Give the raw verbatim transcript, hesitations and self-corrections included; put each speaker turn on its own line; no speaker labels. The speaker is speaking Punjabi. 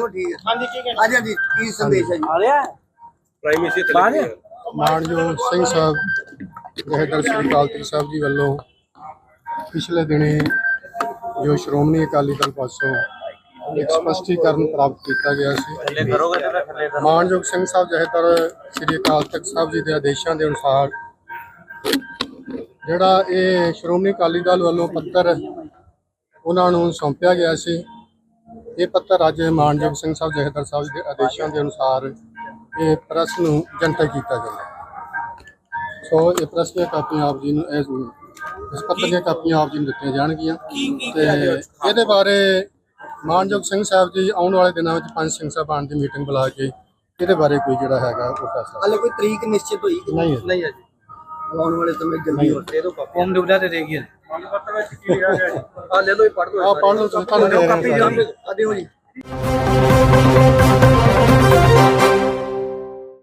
ਬਿਲਕੁਲ ਠੀਕ ਹੈ। ਹਾਂਜੀ ਕੀ ਕਹਿਣਾ? ਹਾਂਜੀ ਹਾਂਜੀ ਕੀ ਸੰਦੇਸ਼ ਹੈ ਜੀ?
ਆ ਰਿਹਾ
ਪ੍ਰਾਈਮ ਮਿਨਿਸਟਰ
ਮਾਨਯੋਗ ਸਿੰਘ ਸਾਹਿਬ ਜਥੇਦਾਰ ਸ੍ਰੀ ਅਕਾਲ ਤਖਤ ਸਾਹਿਬ ਜੀ ਵੱਲੋਂ ਪਿਛਲੇ ਦਿਨੀ ਜੋ ਸ਼੍ਰੋਮਣੀ ਅਕਾਲੀ ਦਲ ਪਾਸੋਂ ਇੱਕ ਸਪਸ਼ਟੀਕਰਨ ਪ੍ਰਾਪਤ ਕੀਤਾ ਗਿਆ ਸੀ। ਮਾਨਯੋਗ ਸਿੰਘ ਸਾਹਿਬ ਜਥੇਦਾਰ ਸ੍ਰੀ ਅਕਾਲ ਤਖਤ ਸਾਹਿਬ ਜੀ ਦੇ ਆਦੇਸ਼ਾਂ ਦੇ ਅਨੁਸਾਰ ਜਿਹੜਾ ਇਹ ਸ਼੍ਰੋਮਣੀ ਅਕਾਲੀ ਦਲ ਵੱਲੋਂ ਪੱਤਰ ਉਹਨਾਂ ਨੂੰ ਸੌਂਪਿਆ ਗਿਆ ਸੀ, ਇਹ ਪੱਤਰ ਅੱਜ ਮਾਨਯੋਗ ਸਿੰਘ ਸਾਹਿਬ ਜਥੇਦਾਰ ਸਾਹਿਬ ਦੇ ਆਦੇਸ਼ਾਂ ਦੇ ਅਨੁਸਾਰ ਇਹ ਪ੍ਰੈਸ ਨੂੰ ਜਨਤਕ ਕੀਤਾ ਜਾਂਦਾ। ਸੋ ਇਹ ਪ੍ਰੈਸ ਦੀਆਂ ਕਾਪੀਆਂ ਆਪ ਜੀ ਨੂੰ ਇਸ ਇਸ ਪੱਤਰ ਦੀਆਂ ਕਾਪੀਆਂ ਆਪ ਜੀ ਨੂੰ ਦਿੱਤੀਆਂ ਜਾਣਗੀਆਂ ਤੇ ਇਹਦੇ ਬਾਰੇ ਮਾਨਯੋਗ ਸਿੰਘ ਸਾਹਿਬ ਜੀ ਆਉਣ ਵਾਲੇ ਦਿਨਾਂ ਵਿੱਚ ਪੰਜ ਸਿੰਘ ਸਾਹਿਬਾਨ ਦੀ ਮੀਟਿੰਗ ਬੁਲਾ ਕੇ ਇਹਦੇ ਬਾਰੇ ਕੋਈ ਜਿਹੜਾ ਹੈਗਾ ਉਹ ਫੈਸਲਾ।
ਹਾਲੇ ਕੋਈ ਤਰੀਕ ਨਿਸ਼ਚਿਤ ਹੋਈ ਕਿ
ਨਹੀਂ
ਨਹੀਂ ਹੈ ਜੀ? ਆਉਣ ਵਾਲੇ ਸਮੇਂ ਜਲਦੀ ਹੋ ਦੇ ਦੋ
ਕੌਮ ਡੁਬਲਾ ਤੇ ਦੇਗੀ
ਆ ਲੈ ਲਓ ਇਹ ਪੜ੍ਹ ਲਓ।
ਆ ਪੜ੍ਹ ਲਓ ਤੁਹਾਨੂੰ
ਕਾਪੀ ਆ ਦਿਓ ਜੀ।